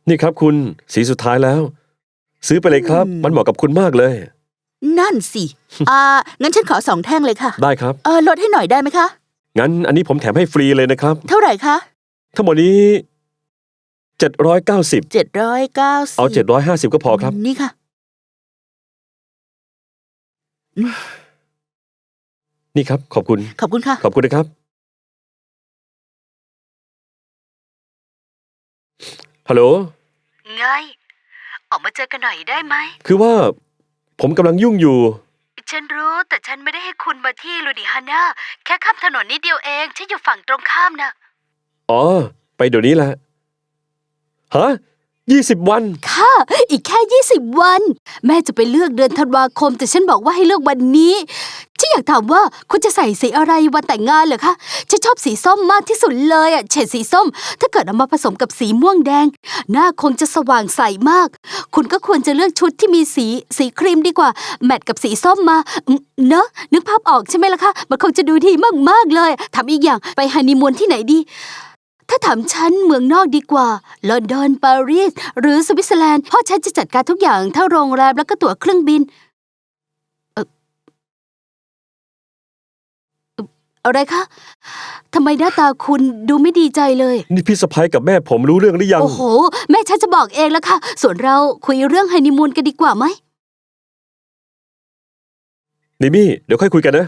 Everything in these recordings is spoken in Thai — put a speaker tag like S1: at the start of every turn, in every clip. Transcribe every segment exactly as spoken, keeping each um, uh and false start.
S1: นี่ครับคุณสีสุดท้ายแล้ว ซื้อไปเลยครับมันเหมาะกับคุณมากเลย
S2: นั่นสิ อ่า งั้นฉันขอสองแท่งเลยค่ะ
S1: ได้ครับ
S2: เออลดให้หน่อยได้ไหมคะ
S1: งั้นอันนี้ผมแถมให้ฟรีเลยนะครับ
S2: เท่าไหร่คะ
S1: ทั้งหมดนี้เจ็ดร้อยเก้าสิบ
S2: เจ็ดร้อยเก้าสิบ
S1: เอาเจ็ดร้อยห้าสิบก็พอครับ
S2: นี่ค่ะ
S1: นี่ครับขอบคุณ
S2: ขอบคุณค่ะ
S1: ขอบคุณนะครับฮัลโหล
S3: ไง ออกมาเจอกันหน่อยได้ไหม
S1: คือว่าผมกำลังยุ่งอยู่
S3: ฉันรู้แต่ฉันไม่ได้ให้คุณมาที่ลูดิฮาน่าแค่ข้ามถนนนิดเดียวเองฉันอยู่ฝั่งตรงข้ามนะ
S1: อ๋อไปเดี๋ยวนี้แหละฮะยี่สิบวัน
S4: ค่ะ อีกแค่ยี่สิบวัน แม่จะไปเลือกเดือนธันวาคม แต่ฉันบอกว่าให้เลือกวันนี้ฉันอยากถามว่าคุณจะใส่สีอะไรวันแต่งงานเหรอคะฉันชอบสีส้มมากที่สุดเลยอ่ะเฉดสีส้ม ถ้าเกิดเอามาผสมกับสีม่วงแดงหน้าคงจะสว่างใสมาก คุณก็ควรจะเลือกชุดที่มีสีสีครีมดีกว่าแมทกับสีส้มมาอืมเนอะนึกภาพออกใช่ไหมล่ะคะมันคงจะดูดีมากๆเลยถามอีกอย่างไปฮันนีมูนที่ไหนดีถ้าถามฉันเมืองนอกดีกว่าลอนดอนปารีสหรือสวิตเซอร์แลนด์พ่อฉันจะจัดการทุกอย่างทั้งโรงแรมแล้วก็ตั๋วเครื่องบินเออเอ่ออะไรคะทำไมหน้าตาคุณดูไม่ดีใจเลย
S1: นี่พี่สะพ้ยกับแม่ผมรู้เรื่องหรือยัง
S4: โอ้โห แม่ฉันจะบอกเองแล้วค่ะ ส่วนเราคุยเรื่องฮันนีมูนกันดีกว่าไหม
S1: นิมี่เดี๋ยวค่อยคุยกันนะ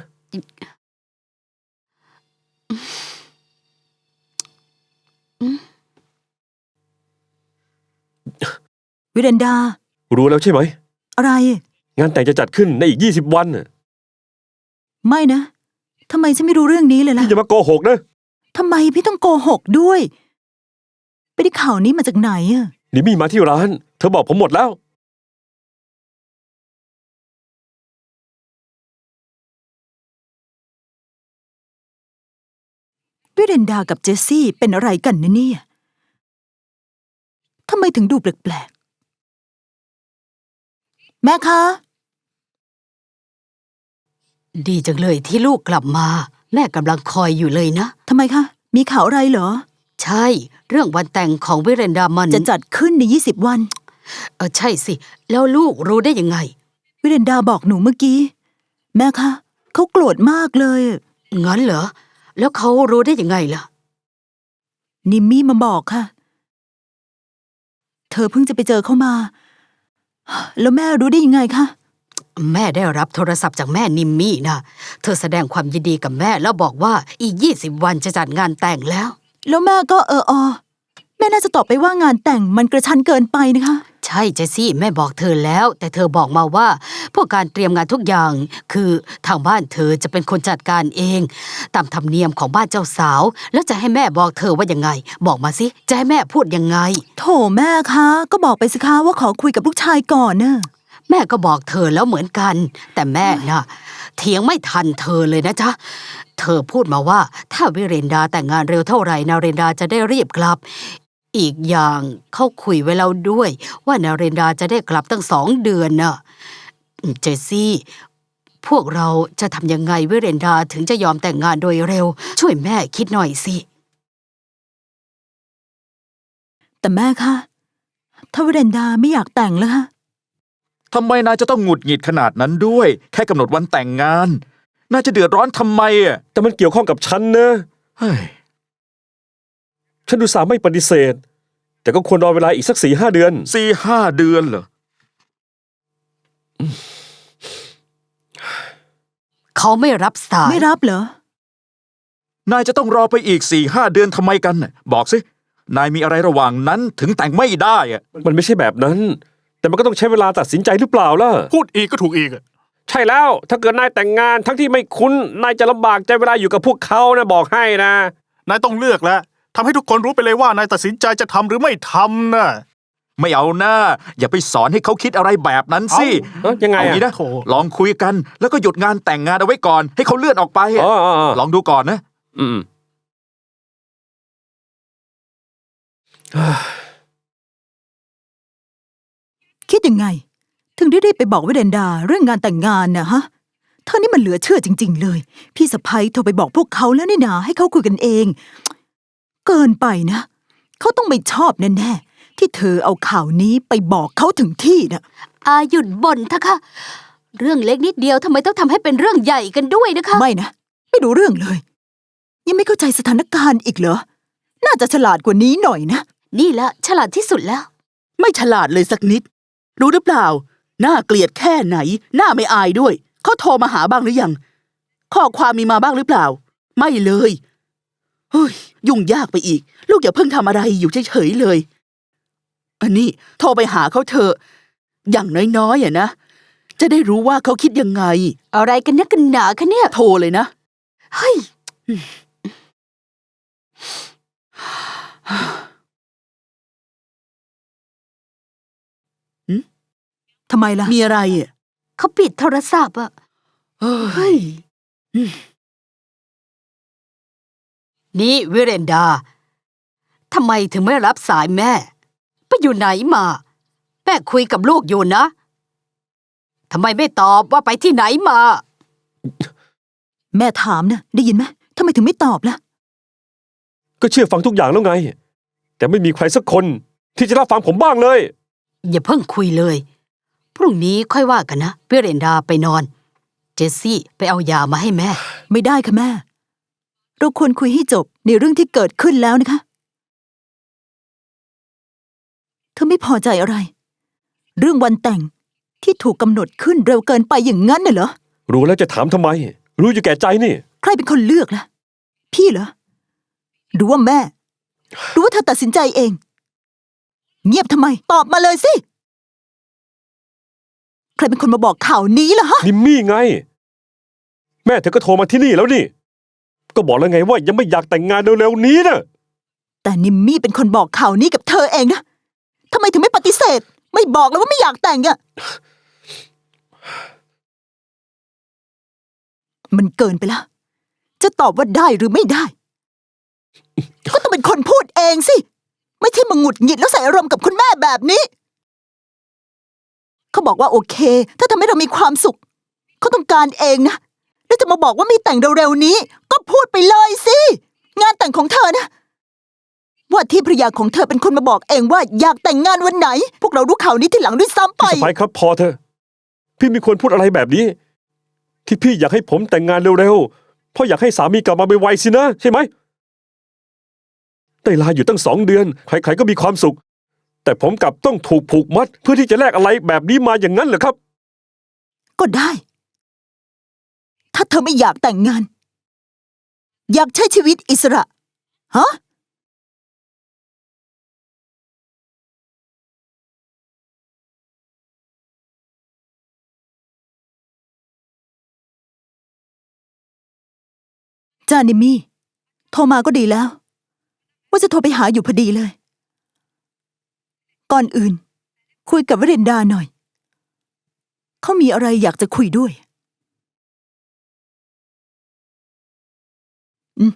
S5: วิเรนดา
S1: รู้แล้วใช่ไหม
S5: อะไร
S1: งานแต่งจะจัดขึ้นในอีกยี่สิบวันน่ะ
S5: ไม่นะทำไมฉันไม่รู้เรื่องนี้เลยล่ะ
S1: พี่อย่ามาโกหกนะ
S5: ทำไมพี่ต้องโกหกด้วยไปได้ข่าวนี้มาจากไหนอะ
S1: นิมี่มาที่ร้าน เธอบอกผมหมดแล้ว
S5: วิเรนดากับเจสซี่เป็นอะไรกันนะเนี่ยทำไมถึงดูแปลกๆแม่คะ
S4: ดีจังเลยที่ลูกกลับมา แม่กำลังคอยอยู่เลยนะ
S5: ทำไมคะ มีข่าวอะไรเหรอ
S4: ใช่ เรื่องวันแต่งของวิเรนดามัน
S5: จะจัดขึ้นในยี่สิบวัน
S4: เออใช่สิ แล้วลูกรู้ได้ยังไง
S5: วิเรนดาบอกหนูเมื่อกี้ แม่คะเขาโกรธมากเลย
S4: งั้นเหรอ แล้วเขารู้ได้ยังไงล่ะ
S5: นิมมี่มาบอกค่ะ เธอเพิ่งจะไปเจอเขามา แล้วแม่รู้ได้ยังไงคะ
S4: แม่ได้รับโทรศัพท์จากแม่นิมมี่นะเธอแสดงความยินดีกับแม่แล้วบอกว่าอีกยี่สิบวันจะจัดงานแต่งแล้ว
S5: แล้วแม่ก็เออออแม่น่าจะตอบไปว่างานแต่งมันกระชั้นเกินไปนะคะ
S4: ใช่เจสซี่แม่บอกเธอแล้ว แต่เธอบอกมาว่า พวกการเตรียมงานทุกอย่าง คือทางบ้านเธอจะเป็นคนจัดการเอง ตามธรรมเนียมของบ้านเจ้าสาว แล้วจะให้แม่บอกเธอว่ายังไง บอกมาสิจะให้แม่พูดยังไง
S5: โถแม่คะก็บอกไปสิคะว่าขอคุยกับลูกชายก่อนนะ
S4: แม่ก็บอกเธอแล้วเหมือนกัน แต่แม่น่ะเถียงไม่ทันเธอเลยนะจ๊ะเธอพูดมาว่า ถ้าวิเรนดาแต่งงานเร็วเท่าไหร่นาเรนดาจะได้รีบกลับ อีกอย่างเขาคุยไว้แล้วด้วย ว่านาเรนดาจะได้กลับตั้งสองเดือนน่ะเจสซี่ พวกเราจะทำยังไงวิเรนดาถึงจะยอมแต่งงานโดยเร็ว ช่วยแม่คิดหน่อยสิ
S5: แต่แม่คะถ้าวิเรนดาไม่อยากแต่งแล้วคะ
S6: ทำไมนายจะต้องหงุดหงิดขนาดนั้นด้วย แค่กำหนดวันแต่งงานนายจะเดือดร้อนทำไมอ่ะ
S1: แต่มันเกี่ยวข้องกับฉันนะ
S6: เฮ้ย
S1: ฉันดูสาห์ไม่ปฏิเสธ แต่ก็ควรรอเวลาอีกสักสี่ห้าเดือน
S6: สี่ห้าเดือนเหรอ
S4: เขาไม่รับสาย
S5: ไม่รับเหรอ
S6: นายจะต้องรอไปอีกสี่ห้าเดือนทำไมกันน่ะบอกสินายมีอะไรระหว่างนั้นถึงแต่งไม่ได้อ่ะ
S1: มันไม่ใช่แบบนั้น แต่มันก็ต้องใช้เวลาตัดสินใจหรือเปล่าล่ะ
S7: พูดอีกก็ถูกอีกอะ
S1: ใช่แล้ว ถ้าเกิดนายแต่งงานทั้งที่ไม่คุ้น นายจะลำบากใจเวลาอยู่กับพวกเขานะบอกให้นะ
S7: นายต้องเลือกแล้วทำให้ทุกคนรู้ไปเลยว่านายตัดสินใจจะทำหรือไม่ทำนะ
S6: ไม่เอาหน้าอย่าไปสอนให้เขาคิดอะไรแบบนั้นสิ
S1: เอ้ายังไง
S6: เอา
S1: อะ
S6: งี้นะ
S7: โถ่
S6: ลองคุยกัน แล้วก็หยุดงานแต่งงานเอาไว้ก่อน ให้เขาเลื่อนออกไปอะ
S1: อ๋ออ๋ออ๋อ
S6: ลองดูก่อนนะ
S1: อืม
S5: คิดยังไง ถึงได้รีบไปบอกวิเรนดาเรื่องงานแต่งงานนะฮะเธอนี่มันเหลือเชื่อจริงๆเลย พี่สะพ้ยโทรไปบอกพวกเขาแล้วนี่นาให้เขาคุยกันเอง เกินไปนะเขาต้องไม่ชอบแน่ๆที่ที่เธอเอาข่าวนี้ไปบอกเขาถึงที่น่ะ
S4: อาหยุดบ่นเถอะค่ะ เรื่องเล็กนิดเดียวทำไมต้องทำให้เป็นเรื่องใหญ่กันด้วยนะคะ
S5: ไม่นะ ไม่รู้เรื่องเลย ยังไม่เข้าใจสถานการณ์อีกเหรอ น่าจะฉลาดกว่านี้หน่อยนะ
S4: นี่ละฉลาดที่สุดแล้ว
S2: ไม่ฉลาดเลยสักนิด รู้หรือเปล่า น่าเกลียดแค่ไหน น่าไม่อายด้วย เขาโทรมาหาบ้างหรือยัง ข้อความมีมาบ้างหรือเปล่า ไม่เลยเฮ้ยยุ่งยากไปอีก ลูกอย่าเพิ่งทำอะไรอยู่เฉยๆเลย อันนี้โทรไปหาเขาเถอะ อย่างน้อยๆอ่ะนะ จะได้รู้ว่าเขาคิดยังไง
S4: อะไรกันนักกันหนาคะเนี่ย
S2: โทรเลยนะ
S4: เฮ้ย
S5: ทำไมล่ะ
S2: มีอะไรอ่ะ
S4: เขาปิดโทรศัพท์อะ
S2: เฮ้
S4: เฮ้
S2: ย
S4: ย นี่วิเรนดา ทำไมถึงไม่รับสายแม่ ไปอยู่ไหนมา แม่คุยกับลูกอยู่นะ ทำไมไม่ตอบว่าไปที่ไหนมา
S5: แม่ถามนะได้ยินไหมทำไมถึงไม่ตอบล่ะ
S1: ก็เชื่อฟังทุกอย่างแล้วไง แต่ไม่มีใครสักคนที่จะรับฟังผมบ้างเลย
S4: อย่าเพิ่งคุยเลย พรุ่งนี้ค่อยว่ากันนะวิเรนดาไปนอน เจสซี่ไปเอายามาให้แม่
S5: ไม่ได้ค่ะแม่ เราควรคุยให้จบในเรื่องที่เกิดขึ้นแล้วนะคะ เธอไม่พอใจอะไร เรื่องวันแต่งที่ถูกกำหนดขึ้นเร็วเกินไปอย่างนั้นน่ะเหรอ
S1: รู้แล้วจะถามทำไม รู้อยู่แก่ใจนี่
S5: ใครเป็นคนเลือกล่ะ พี่เหรอ หรือว่าแม่ หรือว่าเธอตัดสินใจเอง เงียบทำไม ตอบมาเลยสิ ใครเป็นคนมาบอกข่าวนี้ล่ะฮะ
S1: นิมมี่ไง แม่เธอก็โทรมาที่นี่แล้วนี่ ก็บอกแล้วไงว่ายังไม่อยากแต่งงานเร็วๆนี้นะ
S5: แต่นิมมี่เป็นคนบอกข่าวนี้กับเธอเองนะทำไมถึงไม่ปฏิเสธ ไม่บอกแล้วว่าไม่อยากแต่งอะมันเกินไปแล้ว จะตอบว่าได้หรือไม่ได้ ก็ต้องเป็นคนพูดเองสิ ไม่ใช่มาหงุดหงิดแล้วใส่อารมณ์กับคุณแม่แบบนี้ เขาบอกว่าโอเค ถ้าทำให้เรามีความสุข เขาต้องการเองนะ แล้วจะมาบอกว่าไม่แต่งเร็วๆนี้ ก็พูดไปเลยสิ งานแต่งของเธอนะ ว่าที่ภรรยาของเธอเป็นคนมาบอกเองว่าอยากแต่งงานวันไหน พวกเรารู้ข่าวนี้ทีหลังด้วยซ้ำไป
S1: พี่สะพ้ายครับพอเถอะ พี่ไม่ควรพูดอะไรแบบนี้ ที่พี่อยากให้ผมแต่งงานเร็วๆ เพราะอยากให้สามีกลับมาไวๆสินะ ใช่ไหมได้ลาอยู่ตั้งสองเดือน ใครๆก็มีความสุข แต่ผมกลับต้องถูกผูกมัด เพื่อที่จะแลกอะไรแบบนี้มาอย่างนั้นเหรอครับ
S5: ก็ได้ ถ้าเธอไม่อยากแต่งงาน อยากใช้ชีวิตอิสระ ฮะ จานิมมี่ โทรมาก็ดีแล้ว ว่าจะโทรไปหาอยู่พอดีเลย ก่อนอื่น คุยกับวรินดาหน่อย เขามีอะไรอยากจะคุยด้วย อืม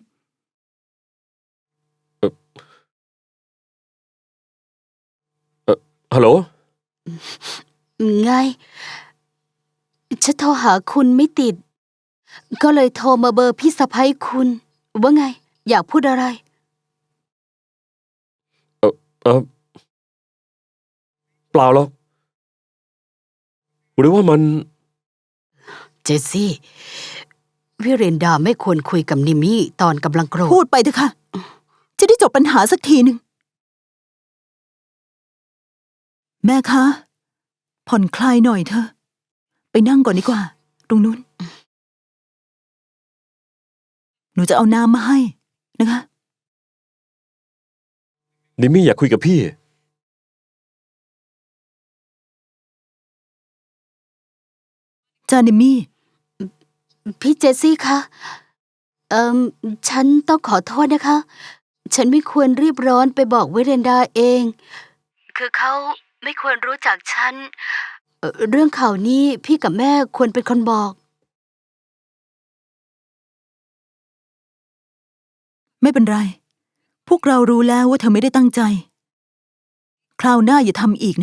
S1: ฮัลโหล
S4: ไง ฉันโทรหาคุณไม่ติด ก็เลยโทรมาเบอร์พี่สะใภ้คุณ ว่าไง อยากพูดอะไร
S1: เออเออเปล่าหรอกหรือว่ามัน
S4: เจสซี่วิเรนดาไม่ควรคุยกับนิมมี่ตอนกำลังโกรธ
S5: พูดไปเถอะค่ะ จะได้จบปัญหาสักทีหนึ่ง แม่คะ ผ่อนคลายหน่อยเถอะ ไปนั่งก่อนดีกว่า ตรงนู้น หนูจะเอาน้ำมาให้นะคะ
S1: นิมมี่อยากคุยกับพี่
S5: จานิมมี่
S4: พี่เจสซี่คะ เอ่อ ฉันต้องขอโทษนะคะ ฉันไม่ควรรีบร้อนไปบอกวิเรนดาเอง
S3: คือเขาไม่ควรรู้จักฉัน
S4: เอ่อเรื่องข่าวนี้พี่กับแม่ควรเป็นคนบอก
S5: ไม่เป็นไร พวกเรารู้แล้วว่าเธอไม่ได้ตั้งใจ คราวหน้าอย่าทำอีกนะ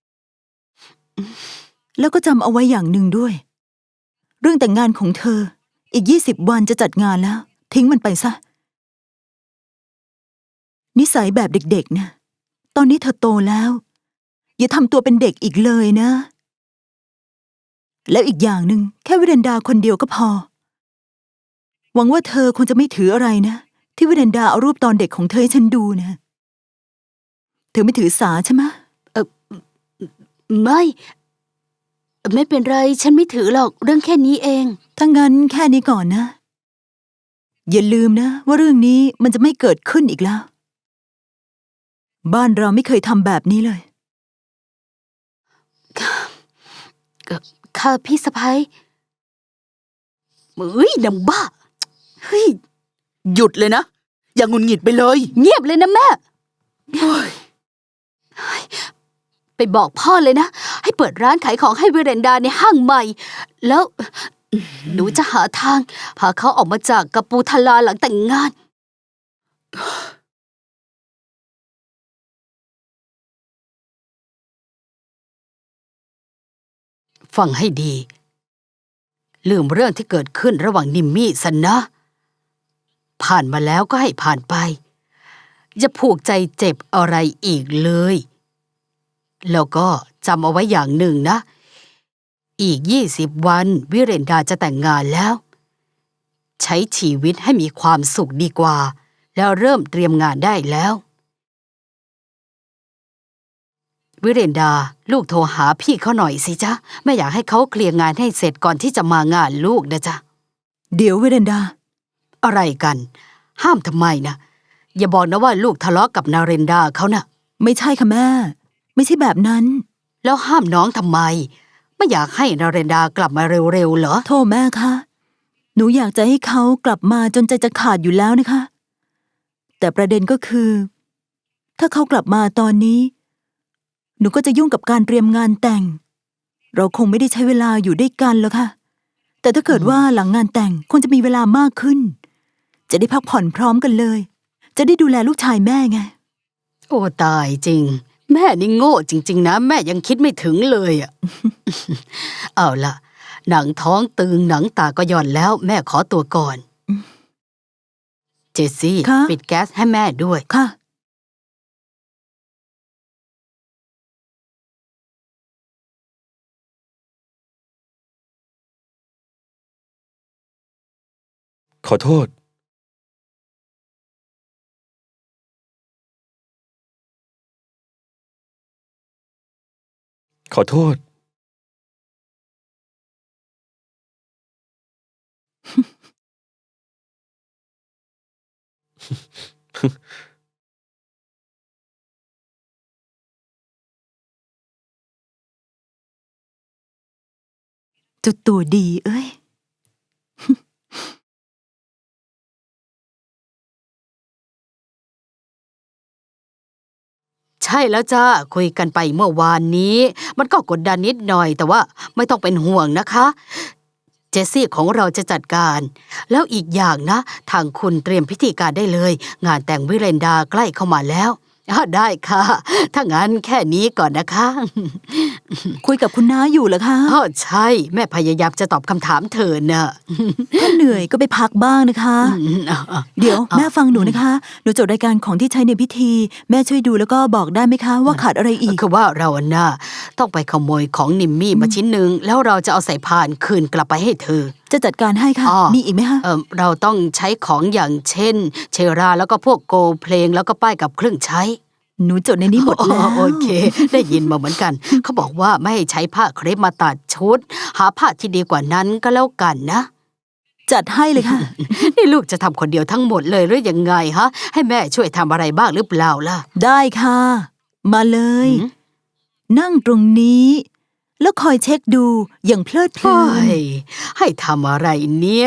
S5: แล้วก็จำเอาไว้อย่างหนึ่งด้วย เรื่องแต่งงานของเธอ อีกยี่สิบวันจะจัดงานแล้ว ทิ้งมันไปซะ นิสัยแบบเด็กๆนะตอนนี้เธอโตแล้ว อย่าทำตัวเป็นเด็กอีกเลยนะ แล้วอีกอย่างหนึ่งแค่วิเรนดาคนเดียวก็พอ หวังว่าเธอคงจะไม่ถืออะไรนะ ที่วิเรนดาเอารูปตอนเด็กของเธอให้ฉันดูนะเธอไม่ถือสาใช่ไหม
S4: ไม่ ไม่เป็นไร ฉันไม่ถือหรอกเรื่องแค่นี้เอง
S5: ถ้างั้นแค่นี้ก่อนนะ อย่าลืมนะว่าเรื่องนี้มันจะไม่เกิดขึ้นอีกแล้ว บ้านเราไม่เคยทำแบบนี้เลย
S4: ค่ะพี่สะพ้ยเฮ้ยนางบ้า เฮ้ย
S2: หยุดเลยนะ อย่างุนหงิดไปเลย
S4: เงียบเลยนะแม่ ไปบอกพ่อเลยนะ ให้เปิดร้านขายของให้วิเรนดาในห้างใหม่ แล้วหนูจะหาทางพาเขาออกมาจากกัปูทลาหลังแต่งงาน ฟังให้ดีลืมเรื่องที่เกิดขึ้นระหว่างนิมมี่สันนะ ผ่านมาแล้วก็ให้ผ่านไป อย่าผูกใจเจ็บอะไรอีกเลย แล้วก็จำเอาไว้อย่างหนึ่งนะ อีกยี่สิบวันวิเรนดาจะแต่งงานแล้ว ใช้ชีวิตให้มีความสุขดีกว่า แล้วเริ่มเตรียมงานได้แล้ว วิเรนดาลูกโทรหาพี่เขาหน่อยสิจ๊ะแม่อยากให้เขาเคลียร์งานให้เสร็จก่อนที่จะมางานลูกนะจ๊ะ
S5: เดี๋ยววิเรนดา
S4: อะไรกัน ห้ามทำไมนะอย่าบอกนะว่าลูกทะเลาะกับนาเรนดาเขานะ่ะ
S5: ไม่ใช่ค่ะแม่ ไม่ใช่แบบนั้น
S4: แล้วห้ามน้องทำไม ไม่อยากให้นาเรนดากลับมาเร็วๆเหรอ
S5: โทษแม่คะ หนูอยากจะให้เขากลับมาจนใจจะขาดอยู่แล้วนะคะ แต่ประเด็นก็คือ ถ้าเขากลับมาตอนนี้ หนูก็จะยุ่งกับการเตรียมงานแต่ง เราคงไม่ได้ใช้เวลาอยู่ด้วยกันแล้วค่ะ แต่ถ้าเกิดว่าหลังงานแต่งคงจะมีเวลามากขึ้น จะได้พักผ่อนพร้อมกันเลย จะได้ดูแลลูกชายแม่ไง
S4: โอ้ตายจริง แม่นี่โง่จริงๆนะแม่ยังคิดไม่ถึงเลยอ่ะ เอาล่ะ หนังท้องตึงหนังตาก็หย่อนแล้ว แม่ขอตัวก่อน เจสซี่
S5: คะ
S4: ปิดแก๊สให้แม่ด้วย
S5: ค่ะ
S1: ขอโทษ ขอโทษ
S5: จุดตัวดีเอ้ย
S4: ใช่แล้วจ้าคุยกันไปเมื่อวานนี้ มันก็กดดันนิดหน่อยแต่ว่าไม่ต้องเป็นห่วงนะคะ เจสซี่ของเราจะจัดการ แล้วอีกอย่างนะ ทางคุณเตรียมพิธีการได้เลย งานแต่งวิเรนดาใกล้เข้ามาแล้วอ่ะได้ค่ะ ถ้างั้นแค่นี้ก่อนนะคะ
S5: คุยกับคุณน้าอยู่เหรอคะ
S4: อ๋อใช่ แม่พยายามจะตอบคำถามเธอน่ะ
S5: ถ้าเหนื่อยก็ไปพักบ้างนะคะ
S4: อืมอ่ะอ่ะ
S5: เดี๋ยวแม่ฟังหนูนะคะ หนูจดรายการของที่ใช้ในพิธี แม่ช่วยดูแล้วก็บอกได้ไหมคะ ว่าขาดอะไรอีก
S4: คือว่าเราน่ะต้องไปขโมยของนิมมี่มาชิ้นหนึ่งแล้วเราจะเอาใส่พานคืนกลับไปให้เธอ
S5: จะจัดการให้ค่ะ
S4: อ๋อ
S5: มีอีกไหมคะ
S4: เออเราต้องใช้ของอย่างเช่น เชราแล้วก็พวกโกลเพลงแล้วก็ป้ายกับเครื่องใช้
S5: หนูจดในนี้หมดแล้ว
S4: อ๋อโอเค ได้ยินมาเหมือนกัน เขาบอกว่าไม่ให้ใช้ผ้าเครปมาตัดชุด หาผ้าที่ดีกว่านั้นก็แล้วกันนะ
S5: จัดให้เลยค่ะ
S4: นี่ลูกจะทำคนเดียวทั้งหมดเลยหรือยังไงฮะ ให้แม่ช่วยทำอะไรบ้างหรือเปล่าล่ะ
S5: ได้ค่ะ มาเลย
S4: หืม
S5: นั่งตรงนี้ แล้วคอยเช็คดูอย่างเพลิดเพลิ
S4: โอ้
S5: น
S4: ยให้ทำอะไรเนี่ย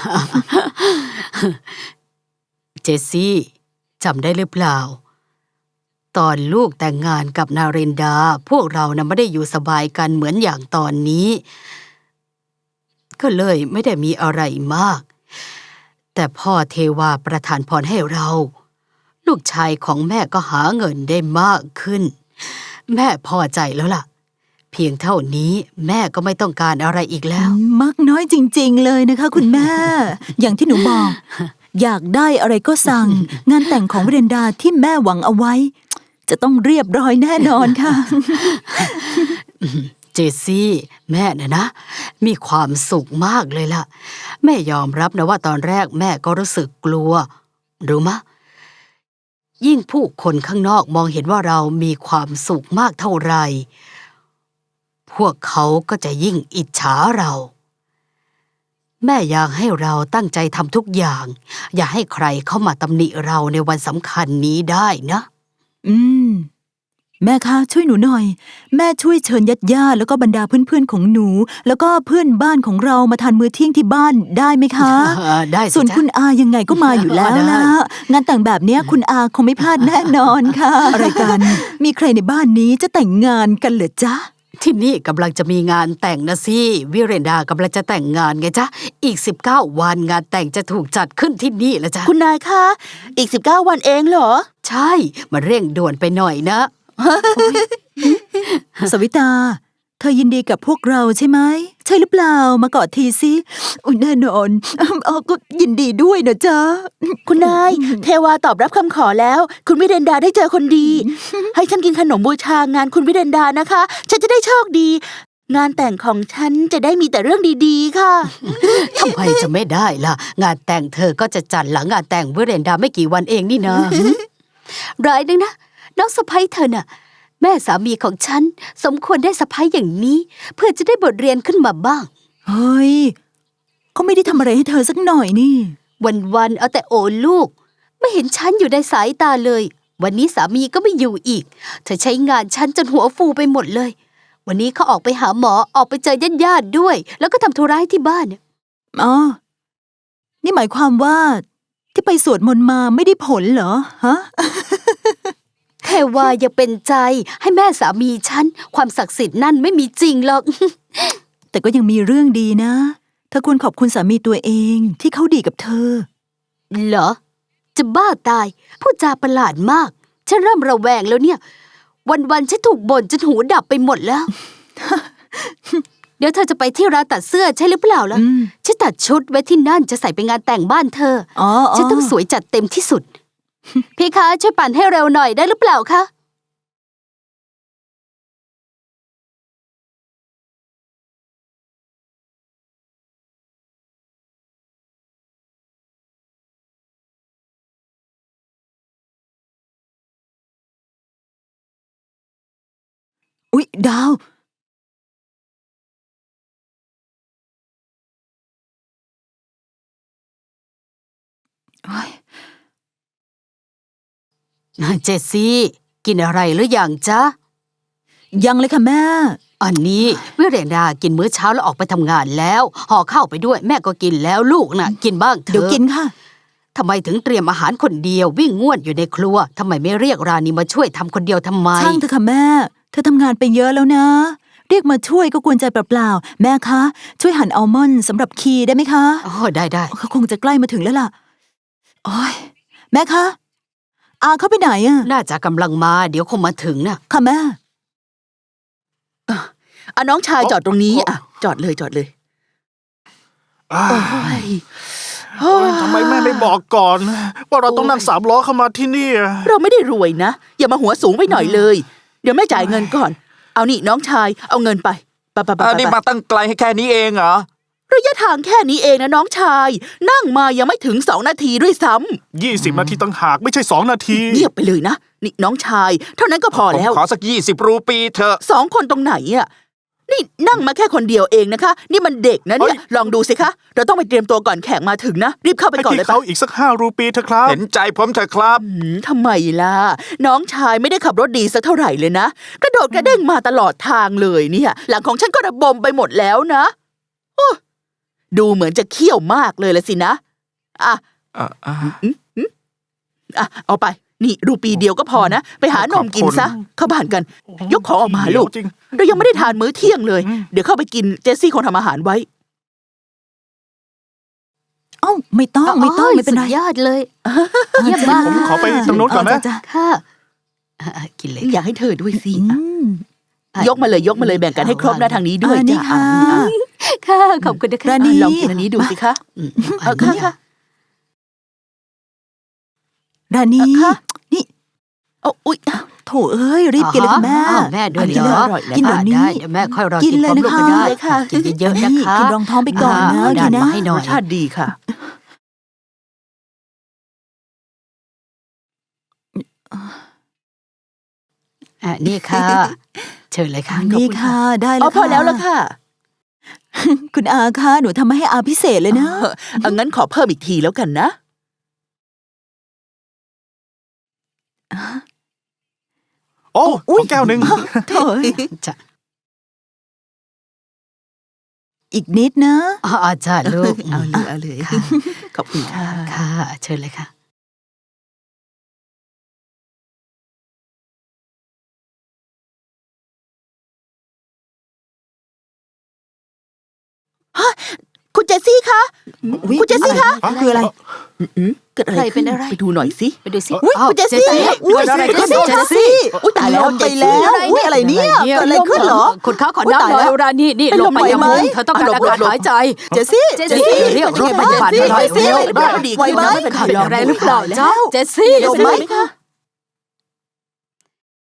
S4: เจสซี่จำได้หรือเปล่า ตอนลูกแต่งงานกับนาเรนดา พวกเรานะไม่ได้อยู่สบายกันเหมือนอย่างตอนนี้ ก็เลยไม่ได้มีอะไรมาก แต่พ่อเทวาประทานพรให้เรา ลูกชายของแม่ก็หาเงินได้มากขึ้น แม่พอใจแล้วล่ะ เพียงเท่านี้แม่ก็ไม่ต้องการอะไรอีกแล้ว
S5: มักน้อยจริงๆเลยนะคะ คุณแม่ อย่างที่หนูบอก อยากได้อะไรก็สั่ง งานแต่งของวิเรนดาที่แม่หวังเอาไว้จะต้องเรียบร้อยแน่นอนค่ะ
S4: เจสซี่แม่นะนะ มีความสุขมากเลยล่ะ แม่ยอมรับนะว่าตอนแรกแม่ก็รู้สึกกลัวรู้มะ ยิ่งผู้คนข้างนอกมองเห็นว่าเรามีความสุขมากเท่าไหร่พวกเขาก็จะยิ่งอิจฉาเรา แม่อยากให้เราตั้งใจทำทุกอย่าง อย่าให้ใครเข้ามาตำหนิเราในวันสำคัญนี้ได้นะ
S5: อืม แม่คะช่วยหนูหน่อย แม่ช่วยเชิญญาติญาติแล้วก็บรรดาเพื่อนๆของหนู แล้วก็เพื่อนบ้านของเรามาทานมื้อเที่ยงที่บ้านได้ไหมคะ
S4: ได้สิ
S5: ส่วน
S4: จ๊ะ
S5: คุณอายังไงก็มาอยู่แล้ว
S4: ได้
S5: นะงานแต่งแบบเนี้ยคุณอาคงไม่พลาดแน่นอนค่ะ อะไรกัน มีใครในบ้านนี้จะแต่งงานกันเหรอจ๊ะ
S4: ที่นี่กำลังจะมีงานแต่งนะสิวิเรนดากำลังจะแต่งงานไงจ๊ะอีกสิบเก้าวันงานแต่งจะถูกจัดขึ้นที่นี่แล้วจ้ะ
S2: คุณนายคะ อีกสิบเก้าวันเองเหรอ
S4: ใช่มันเร่งด่วนไปหน่อยนะ
S5: สวิตา เธอยินดีกับพวกเราใช่ไหม ใช่หรือเปล่ามากอดทีสิอุ้ยแน่นอนเออก็ยินดีด้วยนะจ๊ะ
S2: คุณนาย เทวาตอบรับคำขอแล้ว คุณวิเดนดาได้เจอคนดี ให้ฉันกินขนมบูชางานคุณวิเดนดานะคะ ฉันจะได้โชคดี งานแต่งของฉันจะได้มีแต่เรื่องดีๆค่ะ
S4: ทำไมจะไม่ได้ล่ะ งานแต่งเธอก็จะจัดหลังงานแต่งวิเรนดาไม่กี่วันเองนี่นะร้ายนึงนะน้องสะใภ้เธอน่ะ แม่สามีของฉันสมควรได้สะใภ้อย่างนี้ เพื่อจะได้บทเรียนขึ้นมาบ้าง
S5: เฮ้ยเขาไม่ได้ทำอะไรให้เธอสักหน่อยนี่
S4: วันๆเอาแต่โอลูก ไม่เห็นฉันอยู่ในสายตาเลย วันนี้สามีก็ไม่อยู่อีก เธอใช้งานฉันจนหัวฟูไปหมดเลย วันนี้เขาออกไปหาหมอออกไปเจอญาติๆด้วย แล้วก็ทำธุระให้ที่บ้าน
S5: อ๋อ นี่หมายความว่าที่ไปสวดมนต์มาไม่ได้ผลเหรอ ฮะ
S4: แค่ว่าอย่าเป็นใจให้แม่สามีฉันความศักดิ์สิทธิ์นั่นไม่มีจริงหรอก
S5: แต่ก็ยังมีเรื่องดีนะ เธอควรขอบคุณสามีตัวเองที่เขาดีกับเธอ
S4: เหรอ จะบ้าตายพูดจาประหลาดมาก ฉันเริ่มระแวงแล้วเนี่ย วันๆฉันถูกบ่นจนหูดับไปหมดแล้ว เดี๋ยวเธอจะไปที่ร้านตัดเสื้อใช่หรือเปล่าล่ะ
S5: อืม
S4: ฉันตัดชุดไว้ที่นั่นจะใส่ไปงานแต่งบ้านเธอ
S5: อ๋ออ๋อ
S4: ฉันต้องสวยจัดเต็มที่สุด พี่คะช่วยปั่นให้เร็วหน่อยได้หรือเปล่าคะ
S5: อุ๊ย ดาว โอ๊ย
S4: เจสซี่ กินอะไรหรือยังจ๊ะ
S5: ยังเลยค่ะแม่
S4: อันนี้วิเรนดากินมื้อเช้าแล้วออกไปทำงานแล้วห่อข้าวไปด้วยแม่ก็กินแล้วลูกน่ะ กินบ้างเถอะ
S5: เดี๋ยวกินค่ะ
S4: ทำไมถึงเตรียมอาหารคนเดียววิ่งง่วนอยู่ในครัวทำไมไม่เรียกราณีมาช่วยทำคนเดียวทำไม
S5: ช่างเถอะค่ะแม่ เธอทำงานไปเยอะแล้วนะ เรียกมาช่วยก็กวนใจเปล่าๆ แม่คะ ช่วยหั่นอัลมอนด์สำหรับคีได้ไหมคะ
S4: อ๋อได้ได้
S5: เขาคงจะใกล้มาถึงแล้วล่ะ โอ๊ย แม่คะ อาเขาไปไหนอะ
S4: น่าจะกำลังมาเดี๋ยวคงมาถึงนะ
S5: ค่ะแม่
S2: อ่ะน้องชายจอดตรงนี้ อ่ะ จอดเลยจอดเลย
S7: อ้า
S2: โอ้ย
S7: โอ๊ยทำไมแม่ไม่บอกก่อน ว่าเราต้องนั่งสามล้อเข้ามาที่นี่อะ
S2: เราไม่ได้รวยนะ อย่ามาหัวสูงไปหน่อยเลย เดี๋ยวแม่จ่ายเงินก่อน เอานี่น้องชายเอาเงินไปไปไปไป
S6: อันนี้
S2: ไป
S6: มาตั้งไกลให้แค่นี้เองเหรอ
S2: ระยะทางแค่นี้เองนะน้องชาย นั่งมายังไม่ถึงสองนาทีด้วยซ้ำ
S7: ยี่สิบนาทีตั้งหากไม่ใช่สองนาที
S2: เงียบไปเลยนะนี่น้องชาย เท่านั้นก็พอ
S6: ผม
S2: แล้ว
S6: ขอสักยี่สิบรูปีเถอะ
S2: สองคนตรงไหนอ่ะนี่นั่งมาแค่คนเดียวเองนะคะ นี่มันเด็กนะเนี่ย
S7: เฮ้ย
S2: ลองดูสิคะเราต้องไปเตรียมตัวก่อนแขกมาถึงนะรีบเข้าไป
S7: ให้
S2: ก่อน
S7: พี่
S2: เลยปะ
S7: เขาอีกสักห้ารูปีเถอะครับ
S6: เห็นใจผมเถอะครับ
S2: อืมทำไมล่ะ น้องชายไม่ได้ขับรถดีสักเท่าไหร่เลยนะกระโดดกระเด้งมาตลอดทางเลยเนี่ย หลังของฉันก็ระบมไปหมดแล้วนะโอ้ดูเหมือนจะเขี้ยวมากเลยละสินะอ่ะ
S6: อ่ะอ่ะ
S2: อ่ะเอาไป นี่รูปีเดียวก็พอนะ ไปหานมกินซะ เข้าบ้านกัน ยกของออกมาลูก
S7: จริง
S2: เรายังไม่ได้ทานมื้อเที่ยงเลย
S7: อืม
S2: เดี๋ยวเข้าไปกินเจสซี่คงทำอาหารไว้
S5: เอ้า ไม่ต้องไม่ต้องไม่เป็นไร
S4: สุดยอดเลย เยี่ยมมาก
S7: ผมขอไปตรงโน้นก่อนนะ
S5: จ้ะ
S4: ค่ะอ่ะกินเลย
S2: อยากให้เธอด้วยสิ
S5: อื
S2: อ่ะ
S5: ม
S2: ยกมาเลยยกมาเลยแบ่งกันให้ครบนะทางนี้ด้วย
S5: อ่านี่
S2: จ้ะ
S5: ค่ะ
S2: อ่ะ
S4: ค่ะ ขอบคุณนะคะ
S5: ราณี
S2: อ่ะลองกินอันนี้ดูสิคะ
S4: อืม
S2: เออค่ะค่ะ
S5: ราณี
S2: เอ่อค่ะ
S5: นี่
S2: เอาอุ๊ย
S5: โถเอ้ยรีบกินเลยค่ะแม่
S4: อ้าวแม่ด้วย
S5: กิน
S4: เหร
S5: เลย
S4: อ
S5: อร่อยเลยกินเดี๋ยวนี้
S4: ได้เดี๋ยวแม่ค่อยรอ
S5: กิ
S4: กิ
S5: น
S4: น
S5: เลย
S4: พร้อมลูก
S5: นะคะ
S4: ก็ได้
S5: เลยค่ะ
S4: กินเยอะๆนะคะ
S5: กินรองท้องไปก่อนนะ
S4: เอา
S5: กินนะ
S4: มาให้หน่
S2: ร
S4: อย
S2: สชาติดีค่ะ
S4: อ่ะนี่ค่ะ เชิญเลยค่ะ
S5: นี่ค่ะได้แล้
S2: เอา
S5: ว
S2: พอแล้วละค่ะ
S5: คุณอาค่ะหนูทำมาให้อาพิเศษเลยนะ
S2: เออเอางั้นขอเพิ่มอีกทีแล้วกันนะ
S7: โอ้ขอแก้วหนึ่ง
S5: โถ่เอ้ย
S4: จ้ะ
S5: อีกนิดนะ
S4: อ๋อจ้ะลูก
S2: เอาเลยเอาเลย
S4: ค่ะ
S2: ขอบคุณค่ะ
S4: ค่ะ เชิญเลยค่ะ
S2: คุณเจสซี่คะ คุณเจสซี่คะ
S5: คืออะไร
S2: อืมเกิดอะไร
S4: ใครเป็
S2: ขึ้
S4: น
S2: น
S4: อะไร
S2: ไปดูหน่อยสิ
S4: ไปดูสิ
S2: อุ๊ย
S4: อ้าว
S2: คุณเจสซี่
S4: เกิดอะไรขึ้น
S5: เจสซี่
S2: อุ๊ยตายแล้ว
S5: ลงไปแล้วอุ๊ยอะไรเนี่ยเกิดอะไรขึ้นเหรอ
S4: คุณเขาขอ
S5: อุ๊ย
S4: น้ำ
S5: ตาย
S4: หน่อ
S5: แล้
S4: ยว รานี่นี่
S5: เป็น
S4: ล
S5: ล
S4: ง
S5: ม
S4: ไปยัง
S5: ไหวไหม
S4: มุมเธอต้องการ
S2: หล
S4: อา
S2: บหลบ
S4: กาศ
S2: หลบ
S4: หายใจ
S5: เจสซี่
S4: เจสซี่เรียกรถพยาบาลมาหน่อย
S5: เจสซี่
S4: เร็ว
S5: ไหวไหม
S2: ไหวไหม
S4: ขาดแรงหรือเปล่าจ๊ะเจสซี่
S5: เดี๋ยวไหม
S4: เจสซี่